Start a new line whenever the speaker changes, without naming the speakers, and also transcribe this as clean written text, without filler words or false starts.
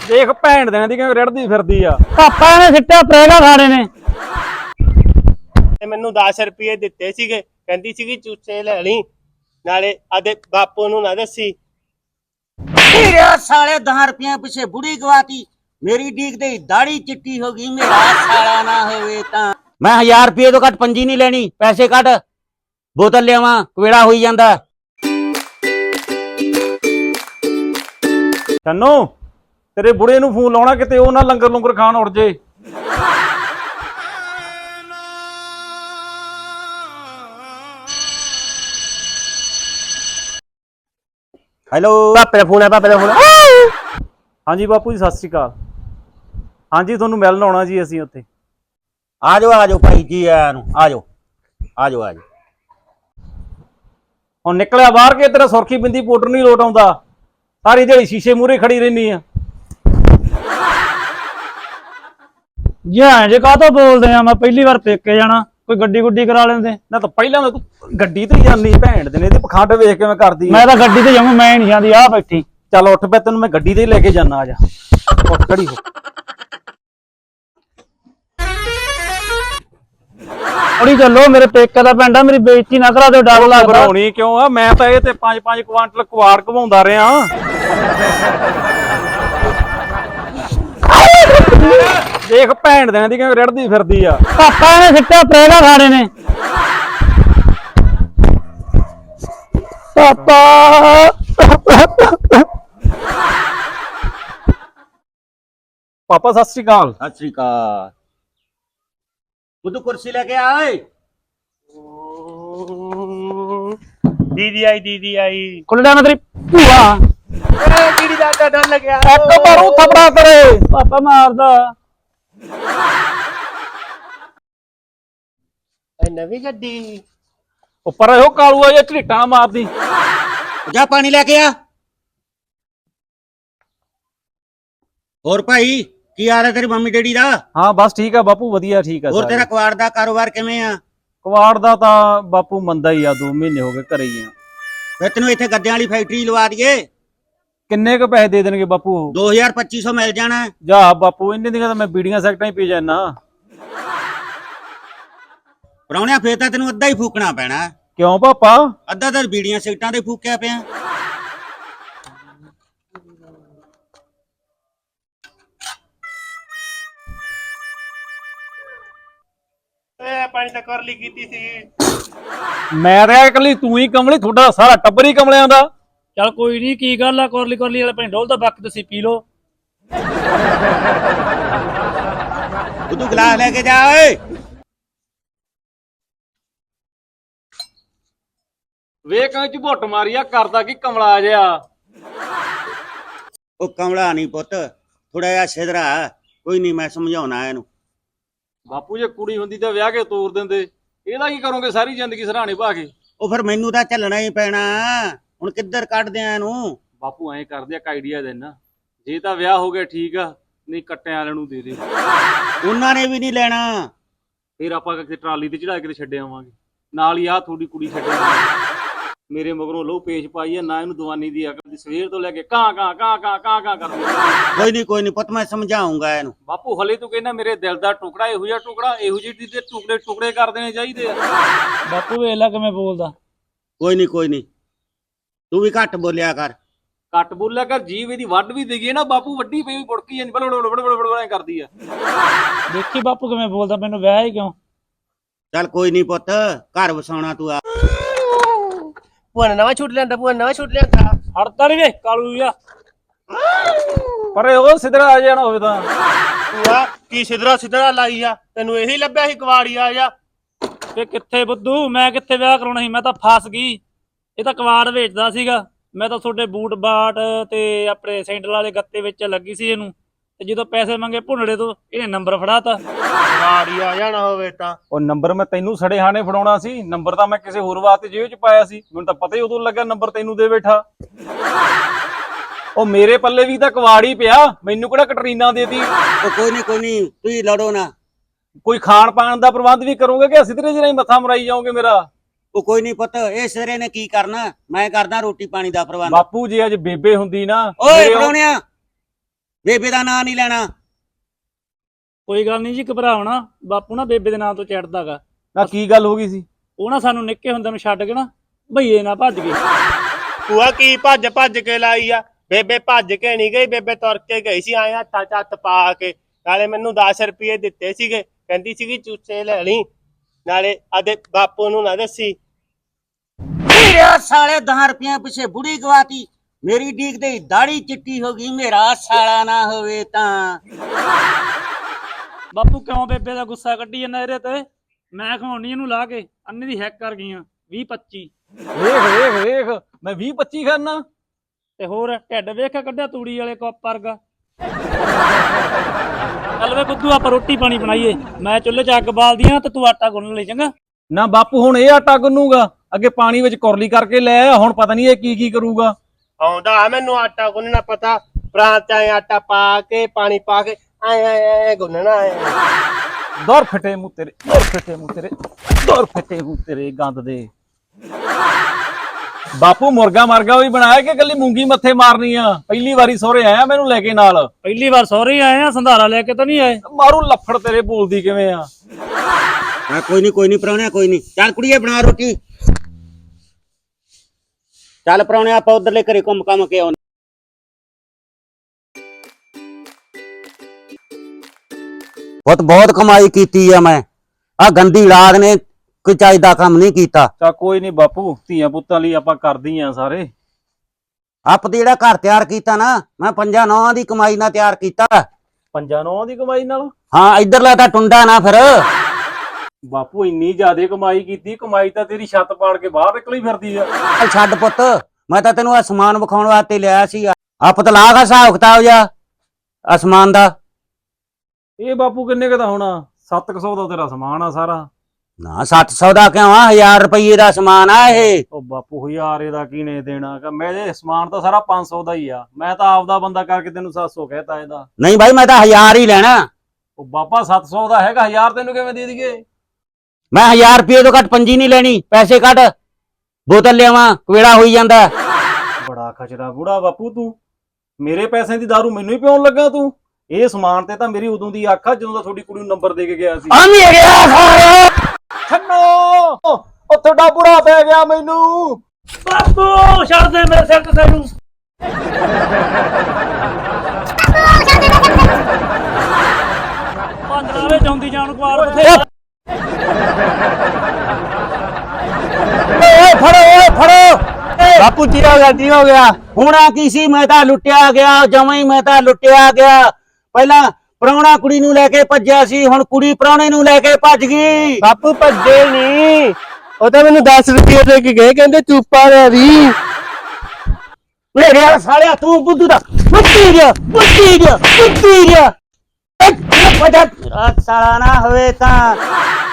ਦੇਖ ਭੈਣ ਦੇਣ ਦੀ ਕਿਵੇਂ ਰੜਦੀ ਫਿਰਦੀ ਆ।
ਪਾਪਾ ਨੇ ਸਿੱਟਿਆ ਪ੍ਰੇਗਾ ਖਾਣੇ ਨੇ
ਤੇ ਮੈਨੂੰ 10 ਰੁਪਏ ਦਿੱਤੇ ਸੀਗੇ, ਕਹਿੰਦੀ ਸੀਗੀ ਚੂਚੇ ਲੈ ਲਈ, ਨਾਲੇ ਆਦੇ ਬਾਪੂ ਨੂੰ ਨਾ ਦੱਸੀ।
तेरे साले 10 रुपया पीछे बुढ़ी गवाती मेरी डीक दे दाढ़ी चिट्टी होगी मेरा साला ना होवे ता मैं 1000 रुपये तो कट पंजी नहीं लेनी पैसे कट बोतल लेवा कवेड़ा होई जांदा।
ਚੰਨੂ ਤੇਰੇ ਬੁੜੇ ਨੂੰ ਫੋਨ ਲਾਉਣਾ ਕਿਤੇ ਉਹ ਨਾ ਲੰਗਰ ਲੰਗਰ ਖਾਣ ਉੜ ਜੇ।
हेलो
ਪਾਪੇ ਦਾ ਫੋਨ ਆ, ਪਾਪੇ ਦਾ ਫੋਨ।
ਹਾਂਜੀ ਬਾਪੂ ਜੀ ਸਤਿ ਸ਼੍ਰੀ ਅਕਾਲ। ਹਾਂਜੀ ਤੁਹਾਨੂੰ ਮਿਲਣ ਆਉਣਾ ਜੀ ਅਸੀਂ ਉੱਥੇ।
आ जाओ भाई जी आ जाओ
ਹੁਣ ਨਿਕਲਿਆ ਬਾਹਰ ਕੇ ਤੇਰਾ ਸੁਰਖੀ ਬਿੰਦੀ ਪਾਊਡਰ ਨਹੀਂ ਲੋਟ ਆਉਂਦਾ, ਸਾਰੀ ਦਿਹਾੜੀ ਸ਼ੀਸ਼ੇ ਮੂਹਰੇ ਖੜੀ ਰਹਿਨੀ ਆ।
ਜਾਂ ਜੇ ਕਾਹਤੋਂ ਬੋਲਦੇ ਆ, ਮੈਂ ਪਹਿਲੀ ਵਾਰ ਪੇਕੇ ਜਾਣਾ, ਕੋਈ ਗੱਡੀ ਗੁੱਡੀ ਕਰਾ ਲੈਂਦੇ।
ਨਾ ਤਾਂ ਪਹਿਲਾਂ ਤਾਂ ਤੂੰ ਗੱਡੀ ਤੇ ਜਾਂਦੀ ਭੈਣ ਦੇ ਨੇ ਤੇ ਪਖੰਡ ਵੇਖ ਕੇ ਮੈਂ ਕਰਦੀ
ਮੈਂ ਤਾਂ ਗੱਡੀ ਤੇ ਜਾਵਾਂ, ਮੈਂ ਨਹੀਂ ਜਾਂਦੀ। ਆ ਬੈਠੀ
ਚੱਲ ਉੱਠ ਪੈ, ਤੈਨੂੰ ਮੈਂ ਗੱਡੀ ਤੇ ਹੀ ਲੈ ਕੇ ਜਾਣਾ। ਆ ਜਾ ਉੱਠ ਖੜੀ ਹੋ।
ਥੋੜੀ ਚੱਲੋ, ਮੇਰੇ ਪੇਕੇ ਦਾ ਪਿੰਡ ਆ, ਮੇਰੀ ਬੇਇੱਜ਼ਤੀ ਨਾ ਕਰਾ ਦਿਓ, ਡਰ ਲੱਗਦਾ।
ਘਬਰਾਉਣੀ ਕਿਉਂ ਆ, ਮੈਂ ਤਾਂ ਇਹ ਤੇ 5-5 ਕੁਆਂਟਲ ਕੁਆੜ ਘਵਾਉਂਦਾ ਰਿਹਾ। ਦੇਖ ਭੈਣ ਦੇਣ ਦੀ ਕਿਵੇਂ ਰੜਦੀ ਫਿਰਦੀ ਆ।
ਪਾਪਾ ਨੇ ਸਿੱਟਿਆ ਪ੍ਰੇਗਾ ਖਾਣੇ ਨੇ ਪਾਪਾ।
ਪਾਪਾ ਸਤਿ ਸ਼੍ਰੀ ਅਕਾਲ।
सत श्री अकाल बुद्धू कुर्सी लेके आए।
ਦੀਦੀ ਆਈ, ਦੀਦੀ ਆਈ।
ਕੁਲੜਾ ਨਾ ਤੇਰੀ ਭੂਆ।
ਦੀਦੀ ਦਾ ਡਰ ਲੱਗਿਆ।
ਇੱਕ ਮਾਰੂ ਥਪੜਾ ਤੇਰੇ।
ਪਾਪਾ ਮਾਰਦਾ।
ਇਹ ਨਵੀਂ ਗੱਡੀ।
ਉੱਪਰ ਇਹੋ ਕਾਲੂਆ ਜਿਹਾ ਝਰੀਟਾਂ ਮਾਰਦੀ।
जा पानी लेके आ। और भाई की हाल है तेरी मम्मी डैडी दा?
ਹਾਂ ਬਸ ਠੀਕ ਆ ਬਾਪੂ, ਵਧੀਆ ਠੀਕ ਆ।
और तेरा कवाड़ दा कारोबार किवें आ?
ਕੁਆੜ ਦਾ ਤਾਂ ਬਾਪੂ ਮੰਦਾ ਹੀ ਆ, 2 ਮਹੀਨੇ ਹੋ ਗਏ ਘਰੇ ਹੀ ਆ।
वे तेनों इत्थे गद्दियां वाली फैक्ट्री लवा दईए,
ਕਿੰਨੇ ਕੁ ਪੈਸੇ ਦੇ ਦੇਣਗੇ ਬਾਪੂ?
2000-2500 मिल जाना।
ਜਾ ਬਾਪੂ, ਇੰਨੇ ਦੀਆਂ ਤਾਂ ਮੈਂ ਬੀੜੀਆਂ ਸੈਕਟਾਂ ਹੀ ਪੀ ਜਾਣਾ।
ਪਰਾਉਣਿਆ ਫੇਰ ਤਾਂ ਤੈਨੂੰ ਅੱਧਾ ਹੀ ਫੂਕਣਾ ਪੈਣਾ।
ਕਿਉਂ ਪਾਪਾ?
ਅੱਧਾ ਤਾਂ ਬੀੜੀਆਂ ਸੀਟਾਂ ਤੇ ਫੂਕਿਆ ਪਿਆ।
ਪਾਣੀ ਤਾਂ ਕਰ ਲਈ ਕੀਤੀ ਸੀ।
ਮੈਂ ਤਾਂ ਇਕੱਲੀ ਤੂੰ ਹੀ ਕਮਲੀ, ਤੁਹਾਡਾ ਸਾਰਾ ਟੱਬਰ ਹੀ ਕਮਲਿਆਂ ਦਾ।
ਚੱਲ ਕੋਈ ਨਹੀਂ, ਕੀ ਗੱਲ ਆ, ਕੋਰਲੀ ਕੋਰਲੀ ਵਾਲੇ ਪਿੰਡ ਢੋਲ ਦਾ ਬੱਕ ਤੁਸੀਂ ਪੀ ਲੋ।
बुद्धू गिलास लेके जा ओए।
ਵੇਖ ਕਾਂ ਚ ਘੁੱਟ ਮਾਰੀਆ, ਕਰਦਾ ਕੀ ਕਮਲਾ ਜਿਹਾ।
ਉਹ ਕਮਲਾ ਨਹੀਂ ਪੁੱਤ, ਥੋੜਾ ਜਿਹਾ ਸਿਧਰਾ। ਕੋਈ ਨਹੀਂ, ਮੈਂ ਸਮਝਾਉਣਾ ਇਹਨੂੰ।
ਬਾਪੂ ਜੇ ਕੁੜੀ ਹੁੰਦੀ ਤਾਂ ਵਿਆਹ ਕੇ ਤੋਰ ਦਿੰਦੇ, ਇਹਦਾ ਕੀ ਕਰੋਗੇ ਸਾਰੀ ਜ਼ਿੰਦਗੀ ਸਰਾਣੇ ਪਾ ਕੇ?
ਉਹ ਫਿਰ ਮੈਨੂੰ ਤਾਂ ਝੱਲਣਾ ਹੀ ਪੈਣਾ, ਹੁਣ ਕਿੱਧਰ ਕੱਢਦੇ ਆ ਇਹਨੂੰ।
ਬਾਪੂ ਐਂ ਕਰਦੇ ਆ, ਇੱਕ ਆਈਡੀਆ ਦੇਣਾ, ਜੇ ਤਾਂ ਵਿਆਹ ਹੋ ਗਿਆ ਠੀਕ ਆ, ਨਹੀਂ ਕੱਟਿਆਂ ਵਾਲਿਆਂ ਨੂੰ ਦੇ ਦੇ।
ਉਹਨਾਂ ਨੇ ਵੀ ਨਹੀਂ ਲੈਣਾ।
ਫਿਰ ਆਪਾਂ ਕਿਤੇ ਟਰਾਲੀ ਤੇ ਚੜਾ ਕੇ ਛੱਡ ਆਵਾਂਗੇ, ਨਾਲ ਹੀ ਆਹ ਤੁਹਾਡੀ ਕੁੜੀ ਛੱਡਿਆ। ਮੇਰੇ ਮਗਰੋਂ ਲਹੂ ਪੇਸ਼ ਪਾਈ ਆ, ਨਾ ਇਹਨੂੰ ਦਵਾਨੀ ਦੀ ਅਕਲ ਦੀ, ਸਵੇਰ ਤੋਂ ਲੈ ਕੇ ਕਾਂ ਕਾਂ ਕਾਂ ਕਾਂ ਕਾਂ ਕਾਂ ਕਰਦੀ।
ਕੋਈ ਨਹੀਂ ਪੁੱਤ, ਮੈਂ ਸਮਝਾਉਂਗਾ ਇਹਨੂੰ।
ਬਾਪੂ ਹਲੇ ਤੂੰ ਕਹਿੰਦਾ ਮੇਰੇ ਦਿਲ ਦਾ ਟੁਕੜਾ, ਇਹੋ ਜਿਹਾ ਟੁਕੜਾ, ਇਹੋ ਜਿਹੀ ਦੇ ਟੁਕੜੇ ਟੁਕੜੇ ਕਰ ਦੇਣੇ ਚਾਹੀਦੇ ਆ।
ਬਾਪੂ ਵੇਖ ਲੈ ਕਿਵੇਂ ਬੋਲਦਾ।
ਕੋਈ ਨਹੀਂ, ਤੂੰ ਵੀ ਘੱਟ ਬੋਲਿਆ ਕਰ।
ਕੱਟ ਬੋਲਿਆ ਕਰ, ਜੀਵ ਇਹਦੀ ਵੱਢ ਵੀ ਦੇਈਏ ਨਾ ਬਾਪੂ, ਵੱਡੀ ਪਈ ਬੁੜਕੀ ਜਾਂਦੀ, ਬੜ ਕਰਦੀ ਆ।
ਦੇਖੀ ਬਾਪੂ ਕਿਵੇਂ ਬੋਲਦਾ, ਮੈਨੂੰ ਵਿਆਹ ਹੀ ਕਿਉਂ।
ਚੱਲ ਕੋਈ ਨਹੀਂ ਪੁੱਤ, ਘਰ ਵਸਾਉਣਾ ਤੂੰ ਆ।
ਭੂਆ ਨੇ ਨਵਾਂ ਛੂਟ ਲਿਆਂਦਾ, ਭੂਆ ਨੇ ਨਵਾਂ ਛੂਟ ਲਿਆਂਦਾ।
ਹੜਦਾ ਨਹੀਂ ਵੇ ਕਾਲੂ ਜਾ।
ਪਰ ਉਹ ਸਿੱਧਰਾ ਆ ਜਾਣਾ ਹੋਵੇ ਤਾਂ।
ਭੂਆ ਕੀ ਸਿਧਰਾ ਲਾਈ ਆ, ਤੈਨੂੰ ਇਹੀ ਲੱਭਿਆ ਸੀ ਕਵਾੜੀ ਆ ਜਾ।
ਤੇ ਕਿੱਥੇ ਬੁੱਧੂ, ਮੈਂ ਕਿੱਥੇ ਵਿਆਹ ਕਰਾਉਣਾ ਸੀ, ਮੈਂ ਤਾਂ ਫਸ ਗਈ। ਇਹ ਤਾਂ ਕਵਾੜ ਵੇਚਦਾ ਸੀਗਾ, ਮੈਂ ਤਾਂ ਤੁਹਾਡੇ ਬੂਟ ਬਾਟ ਤੇ ਆਪਣੇ ਸੈਂਡਲ ਵਾਲੇ ਗੱਤੇ ਵਿੱਚ ਲੱਗੀ ਸੀ ਇਹਨੂੰ, ਤੇ ਜਦੋਂ ਪੈਸੇ ਮੰਗੇ ਭੁੰਨੜੇ ਤੋਂ ਇਹਨੇ ਨੰਬਰ ਫੜਾਤਾ।
ਕਵਾੜੀ ਆ ਜਾਣਾ ਹੋਵੇ ਤਾਂ।
ਉਹ ਨੰਬਰ ਮੈਂ ਤੈਨੂੰ ਸੜੇ ਹਾਣੇ ਫੜਾਉਣਾ ਸੀ, ਨੰਬਰ ਤਾਂ ਮੈਂ ਕਿਸੇ ਹੋਰ ਵਾਸਤੇ ਜੇਬ 'ਚ ਪਾਇਆ ਸੀ, ਮੈਨੂੰ ਤਾਂ ਪਤਾ ਹੀ ਉਦੋਂ ਲੱਗਾ ਨੰਬਰ ਤੈਨੂੰ ਦੇ ਬੈਠਾ। ਉਹ ਮੇਰੇ ਪੱਲੇ ਵੀ ਤਾਂ ਕਵਾੜ ਹੀ ਪਿਆ, ਮੈਨੂੰ ਕਿਹੜਾ ਕਟਰੀਨਾ ਦੇਤੀ।
ਉਹ ਕੋਈ ਨਹੀਂ, ਤੁਸੀਂ ਲੜੋ ਨਾ।
ਕੋਈ ਖਾਣ ਪਾਣ ਦਾ ਪ੍ਰਬੰਧ ਵੀ ਕਰੋਗੇ ਕਿ ਸਿੱਧਰੇ ਜਿਹੇ ਮੱਥਾ ਮਰਾਈ ਜਾਓਗੇ ਮੇਰਾ?
ਉਹ ਕੋਈ ਨਹੀਂ ਪੁੱਤ, ਇਹ ਸਿਰੇ ਨੇ ਕੀ ਕਰਨਾ, ਮੈਂ ਕਰਦਾ ਰੋਟੀ ਪਾਣੀ ਦਾ ਪ੍ਰਬੰਧ।
ਬਾਪੂ ਜੀ ਅੱਜ ਬੇਬੇ ਹੁੰਦੀ ਨਾ।
ਓਏ ਪਰੌਣਿਆ, ਬੇਬੇ ਦਾ ਨਾਂ ਨਹੀਂ ਲੈਣਾ।
ਕੋਈ ਗੱਲ ਨਹੀਂ ਜੀ, ਘਬਰਾਉਣਾ। ਬਾਪੂ ਨਾ ਬੇਬੇ ਦੇ ਨਾਂ ਤੋਂ ਚੜਦਾਗਾ।
ਨਾ ਕੀ ਗੱਲ ਹੋ ਗਈ ਸੀ?
ਉਹ ਨਾ ਸਾਨੂੰ ਨਿੱਕੇ ਹੁੰਦੇ ਨੂੰ ਛੱਡ ਕੇ ਨਾ ਭਈਏ ਨਾ ਭੱਜ ਗਏ।
ਭੂਆ ਕੀ ਭੱਜ ਕੇ ਲਾਈ ਆ? ਬੇਬੇ ਭੱਜ ਕੇ ਨਹੀਂ ਗਈ, ਬੇਬੇ ਤੁਰ ਕੇ ਗਈ ਸੀ ਆਏ ਹੱਥਾਂ 'ਚ ਹੱਥ ਪਾ ਕੇ। ਨਾਲੇ ਮੈਨੂੰ 10 ਰੁਪਏ ਦਿੱਤੇ ਸੀਗੇ, ਕਹਿੰਦੀ ਸੀਗੀ ਚੂਚੇ ਲੈ ਲਈ, ਨਾਲੇ ਆਦੇ ਬਾਪੂ ਨੂੰ ਨਾ ਦੱਸੀ।
ਤੇਰੇ ਸਾਲੇ 10 ਰੁਪਏ ਪਿੱਛੇ ਬੁੜੀ ਗਵਾਤੀ, ਮੇਰੀ ਡੀਕ ਤੇ ਦਾੜੀ ਚਿੱਟੀ ਹੋ ਗਈ, ਮੇਰਾ ਸਾਲਾ ਨਾ ਹੋਵੇ ਤਾਂ।
ਬਾਪੂ ਕਿਉਂ ਬੇਬੇ ਦਾ ਗੁੱਸਾ ਕੱਢੀ ਜਾਂਦਾ ਇਹਦੇ ਤੇ? ਮੈਂ ਖਵਾਉਣੀ ਇਹਨੂੰ ਲਾ ਕੇ, ਅੰਨੇ ਦੀ ਹੈਕ ਕਰ ਗਈਆਂ 20-25।
ਵੇਖ ਮੈਂ 20-25 ਖਾਨਾ
ਤੇ ਹੋਰ ਢਿੱਡ ਵੇਖ ਕੇ ਕੱਢਿਆ ਤੂੜੀ ਵਾਲੇ ਕੱਪ ਵਰਗਾ। ਚੱਲ ਵੇ ਬੁੱਧੂ, ਆਪਾਂ ਰੋਟੀ ਪਾਣੀ ਬਣਾਈਏ। ਮੈਂ ਚੁੱਲ੍ਹੇ 'ਚ ਅੱਗ ਬਾਲਦੀ ਆ ਤੇ ਤੂੰ ਆਟਾ ਗੁੰਨ ਲਈ, ਚੰਗਾ?
ਨਾ ਬਾਪੂ ਹੁਣ ਇਹ ਆਟਾ ਗੁੰਨੂਗਾ, ਅੱਗੇ ਪਾਣੀ ਵਿੱਚ ਕੁਰਲੀ ਕਰਕੇ ਲੈ ਆਇਆ, ਹੁਣ ਪਤਾ ਨਹੀਂ ਇਹ ਕੀ ਕਰੂਗਾ।
ਆਉਂਦਾ ਮੈਨੂੰ ਆਟਾ ਗੁੰਨਣਾ ਪਤਾ, ਪ੍ਰਾਂਤ 'ਚ ਆਏ ਆਟਾ ਪਾ ਕੇ ਪਾਣੀ ਪਾ ਕੇ ਐ ਗੁੰਨਣਾ ਐ।
ਦੌਰ ਫਟੇ ਮੂੰਹ ਤੇਰੇ ਗੰਦ ਦੇ। ਬਾਪੂ ਮੁਰਗਾ ਮਰਗਾ ਵੀ ਬਣਾਇਆ ਕਿ ਕੱਲੀ ਮੂੰਗੀ ਮੱਥੇ ਮਾਰਨੀ ਆ? ਪਹਿਲੀ ਵਾਰੀ ਸਹੁਰੇ ਆਇਆ ਮੈਨੂੰ ਲੈ ਕੇ ਨਾਲ।
ਪਹਿਲੀ ਵਾਰ ਸਹੁਰੇ ਆਏ ਆ, ਸੰਧਾਰਾ ਲੈ ਕੇ ਤਾਂ ਨਹੀਂ ਆਏ।
ਮਾਰੂ ਲੱਫੜ ਤੇਰੇ ਬੋਲਦੀ ਕਿਵੇਂ ਆ?
ਕੋਈ ਨਹੀਂ ਪ੍ਰਾਹੁਣਿਆ, ਕੋਈ ਨਹੀਂ। ਚੱਲ ਕੁੜੀਏ ਬਣਾ ਰੋਟੀ। ਚੱਲ ਪ੍ਰਾਹੁਣਿਆ, ਆਪਾਂ ਉਧਰਲੇ ਘਰੇ ਘੁੰਮ ਘਾਮ ਕੇ ਆਉਣੇ। ਬਹੁਤ ਕਮਾਈ ਕੀਤੀ ਆ ਮੈਂ। ਆ ਗੰਦੀ ਲਾਗ ਨੇ ਕੋਈ ਚਾਹੀਦਾ ਕੰਮ ਨਹੀਂ ਕੀਤਾ।
ਚਾ ਕੋਈ ਨਹੀਂ ਬਾਪੂ, ਧੀਆਂ ਪੁੱਤਾਂ ਲਈ ਆਪਾਂ ਕਰਦੀ ਆ ਸਾਰੇ।
ਆਪ ਤੇ ਜਿਹੜਾ ਘਰ ਤਿਆਰ ਕੀਤਾ ਨਾ, ਮੈਂ 5-9 ਦੀ ਕਮਾਈ ਨਾਲ ਤਿਆਰ ਕੀਤਾ।
5-9 ਦੀ ਕਮਾਈ ਨਾਲ?
ਹਾਂ, ਇੱਧਰਲਾ ਤਾਂ ਟੁੰਡਾ ਨਾ ਫਿਰ।
ਬਾਪੂ ਇੰਨੀ ਜ਼ਿਆਦਾ ਕਮਾਈ ਕੀਤੀ, ਕਮਾਈ ਤਾਂ ਤੇਰੀ ਛੱਤ ਪਾੜ ਕੇ ਬਾਹਰ ਨਿਕਲੀ ਫਿਰਦੀ ਆ।
ਚੱਲ ਛੱਡ ਪੁੱਤ, ਮੈਂ ਤਾਂ ਤੈਨੂੰ ਅਸਮਾਨ ਵਿਖਾਉਣ ਵਾਸਤੇ ਲਿਆ ਸੀ। ਆਪ ਤਾਂ ਲਾਗਾ ਹਿਸਾਬ ਕਿਤਾਬ ਜਾ ਅਸਮਾਨ ਦਾ।
ਇਹ ਬਾਪੂ ਕਿੰਨੇ ਕੁ ਦਾ ਹੋਣਾ? 700 ਦਾ ਤੇਰਾ ਸਮਾਨ ਆ ਸਾਰਾ।
ਨਾ 700 ਦਾ ਕਿਉਂ ਆ? 1000 ਰੁਪਏ ਦਾ ਸਮਾਨ ਆ ਇਹ।
ਉਹ ਬਾਪੂ 1000 ਇਹਦਾ ਕਿਹਨੇ ਦੇਣਾ? ਮੇਰੇ ਸਮਾਨ ਤਾਂ ਸਾਰਾ 500 ਦਾ ਹੀ ਆ। ਮੈਂ ਤਾਂ ਆਪਦਾ ਬੰਦਾ ਕਰਕੇ ਤੈਨੂੰ 700 ਕਹਿਤਾ ਇਹਦਾ।
ਨਹੀਂ ਭਾਈ, ਮੈਂ ਤਾਂ 1000 ਹੀ ਲੈਣਾ।
ਉਹ ਬਾਪਾ 700 ਦਾ ਹੈਗਾ, 1000 ਤੈਨੂੰ ਕਿਵੇਂ ਦੇ ਦਈਏ?
ਮੈਂ 1000 ਰੁਪਏ ਤੋਂ ਘੱਟ ਪੰਜੀ ਨਹੀਂ ਲੈਣੀ। ਪੈਸੇ ਕੱਢ, ਬੋਤਲ ਲਿਆਵਾਂ, ਕਵੇੜਾ ਹੋਈ ਜਾਂਦਾ।
ਬੜਾ ਖਚਰਾ ਬੁੜਾ ਬਾਪੂ ਤੂੰ। ਮੇਰੇ ਪੈਸਿਆਂ ਦੀ ਦਾਰੂ ਮੈਨੂੰ ਹੀ ਪਿਉਣ ਲੱਗਾ ਤੂੰ? ਇਹ ਸਮਾਨ ਤੇ ਤਾਂ ਮੇਰੀ ਉਦੋਂ ਦੀ ਅੱਖ ਆ ਜਦੋਂ ਦਾ ਤੁਹਾਡੀ ਕੁੜੀ ਨੂੰ ਨੰਬਰ ਦੇ ਕੇ ਗਿਆ ਸੀ। ਛੱਡੋ, ਉਹ ਤੁਹਾਡਾ ਬੁੜਾ ਪੈ ਗਿਆ ਮੈਨੂੰ।
ਬਾਪੂ ਛੱਡ ਦੇ ਮੇਰੇ ਸਿਰ ਤੇ ਤੈਨੂੰ। ਪੰਦਰਾਵੇਂ ਜਾਂਦੀ ਜਾਣ ਕੁਆਰ ਬਥੇਰਾ।
ਫੜੋ
ਬਾਪੂ ਕੀ ਹੋ ਗਿਆ?
ਹੋਣਾ ਕੀ ਸੀ? ਮੈਂ ਤਾਂ ਲੁੱਟਿਆ ਗਿਆ, ਜਮਾਂ ਹੀ ਮੈਂ ਤਾਂ ਲੁੱਟਿਆ ਗਿਆ। ਪਹਿਲਾਂ ਪ੍ਰਾਹੁਣਾ ਕੁੜੀ ਨੂੰ ਲੈ ਕੇ ਭੱਜਿਆ ਸੀ, ਹੁਣ ਕੁੜੀ ਪ੍ਰਾਹੁਣੇ ਨੂੰ ਲੈ ਕੇ ਭੱਜ ਗਈ।
ਬਾਪੂ ਭੱਜੇ ਨਹੀਂ, ਉਹ ਤਾਂ ਮੈਨੂੰ 10 ਰੁਪਏ ਦੇ ਕੇ ਗਏ, ਕਹਿੰਦੇ ਚੁੱਪਾ ਰਹਿ ਵੀ।
ਮੇਰੇ ਸਾਲਿਆ, ਤੂੰ ਬੁੱਧੂ ਦਾ ਬੁੱਧੀ ਗਿਆ। ਸਾਲਾ ਨਾ ਹੋਵੇ ਤਾਂ